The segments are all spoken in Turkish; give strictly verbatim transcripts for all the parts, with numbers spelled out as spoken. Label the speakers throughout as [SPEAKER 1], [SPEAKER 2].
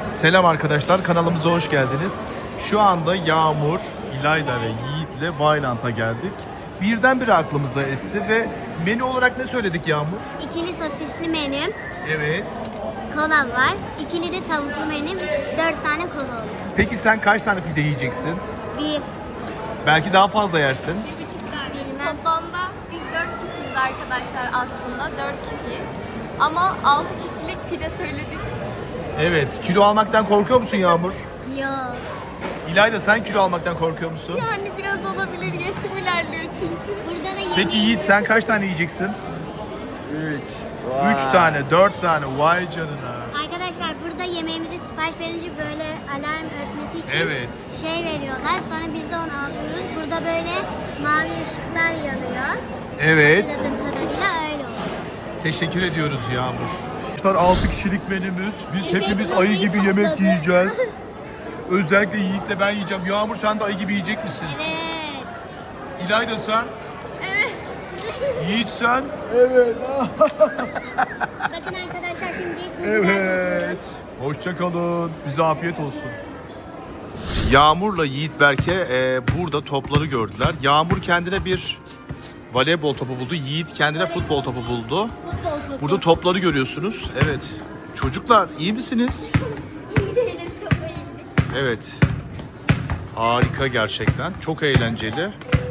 [SPEAKER 1] Selam arkadaşlar, kanalımıza hoş geldiniz. Şu anda Yağmur, İlayda ve Yiğit'le Vailant'a geldik. Birdenbire aklımıza esti ve menü olarak ne söyledik Yağmur?
[SPEAKER 2] İkili sosisli menü,
[SPEAKER 1] Evet.
[SPEAKER 2] kola var. İkili de tavuklu menü, dört tane kola olur.
[SPEAKER 1] Peki sen kaç tane pide yiyeceksin?
[SPEAKER 2] Bir,
[SPEAKER 1] Belki daha fazla yersin.
[SPEAKER 3] Bir buçuk tane.
[SPEAKER 2] Bilmem.
[SPEAKER 3] Toplamda biz dört kişiyiz arkadaşlar aslında. Dört kişiyiz. Ama altı kişilik pide söyledik.
[SPEAKER 1] Evet, kilo almaktan korkuyor musun Yağmur?
[SPEAKER 2] yok.
[SPEAKER 1] İlayda sen kilo almaktan korkuyor musun?
[SPEAKER 3] Yani biraz olabilir. Yaşım ilerliyor çünkü.
[SPEAKER 2] Burada da yemeğimiz...
[SPEAKER 1] Peki Yiğit sen kaç tane yiyeceksin?
[SPEAKER 4] üç.
[SPEAKER 1] Üç tane, dört tane, vay canına.
[SPEAKER 2] Arkadaşlar burada yemeğimizi sipariş verince böyle alarm ötmesi için
[SPEAKER 1] Evet.
[SPEAKER 2] şey veriyorlar. Sonra biz de onu alıyoruz. Burada böyle mavi ışıklar yanıyor.
[SPEAKER 1] Evet.
[SPEAKER 2] Hatırladığım kadarıyla öyle oluyor.
[SPEAKER 1] Teşekkür ediyoruz Yağmur. altı kişilik menümüz. Biz
[SPEAKER 2] Evet,
[SPEAKER 1] hepimiz
[SPEAKER 2] masayı
[SPEAKER 1] ayı gibi yemek
[SPEAKER 2] kapladı.
[SPEAKER 1] yiyeceğiz. Özellikle Yiğit'le ben yiyeceğim. Yağmur sen de ayı gibi yiyecek misin?
[SPEAKER 2] Evet.
[SPEAKER 1] İlayda sen?
[SPEAKER 3] Evet.
[SPEAKER 1] Yiğit sen?
[SPEAKER 4] Evet.
[SPEAKER 2] Bakın arkadaşlar şimdi
[SPEAKER 1] Evet. Hoşça kalın. Bize afiyet olsun. Yağmur'la Yiğit Berke e, burada topları gördüler. Yağmur kendine bir voleybol topu buldu. Yiğit kendine futbol topu buldu. Burada topları görüyorsunuz. Evet. Çocuklar iyi misiniz?
[SPEAKER 3] İyi değiliz, kafayı yedik.
[SPEAKER 1] Evet. Harika gerçekten. Çok eğlenceli.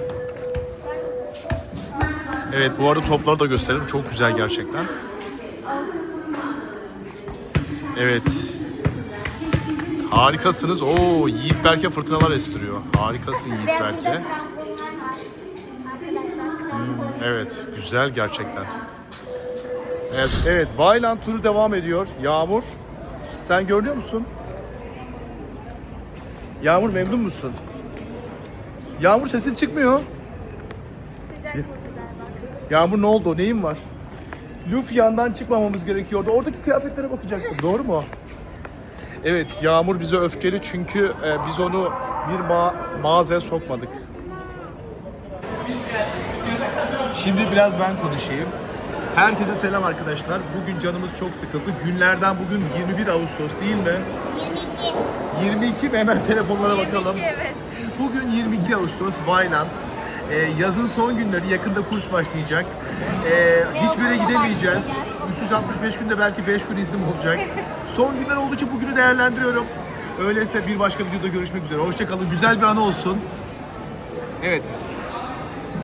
[SPEAKER 1] Evet, bu arada topları da gösterelim. Çok güzel gerçekten. Evet. Harikasınız. Oo, Yiğit Berke fırtınalar estiriyor. Harikasın Yiğit Berke. Hmm, evet, güzel gerçekten. Evet, evet. Vaillant turu devam ediyor. Yağmur, sen görünüyor musun? Yağmur memnun musun? Yağmur sesin çıkmıyor.
[SPEAKER 3] Sıcak oldu galiba.
[SPEAKER 1] Yağmur ne oldu? Neyin var? Luffy yandan çıkmamamız gerekiyordu. Oradaki kıyafetlere bakacaktım. Doğru mu? Evet, Yağmur bize öfkeli çünkü e, biz onu bir ma mağazaya sokmadık. Şimdi biraz ben konuşayım. Herkese selam arkadaşlar. Bugün canımız çok sıkıldı. Günlerden bugün yirmi bir Ağustos değil mi?
[SPEAKER 2] yirmi iki.
[SPEAKER 1] yirmi iki mi? Hemen telefonlara bakalım.
[SPEAKER 3] yirmi iki, evet.
[SPEAKER 1] Bugün yirmi iki Ağustos, Vaillant. Ee, yazın son günleri, yakında kurs başlayacak. Ee, hiçbir yere
[SPEAKER 2] okulda
[SPEAKER 1] gidemeyeceğiz.
[SPEAKER 2] başlayacak.
[SPEAKER 1] üç yüz altmış beş günde belki beş gün iznim olacak. Son günler olduğu için bugünü değerlendiriyorum. Öyleyse bir başka videoda görüşmek üzere. Hoşça kalın. Güzel bir anı olsun. Evet,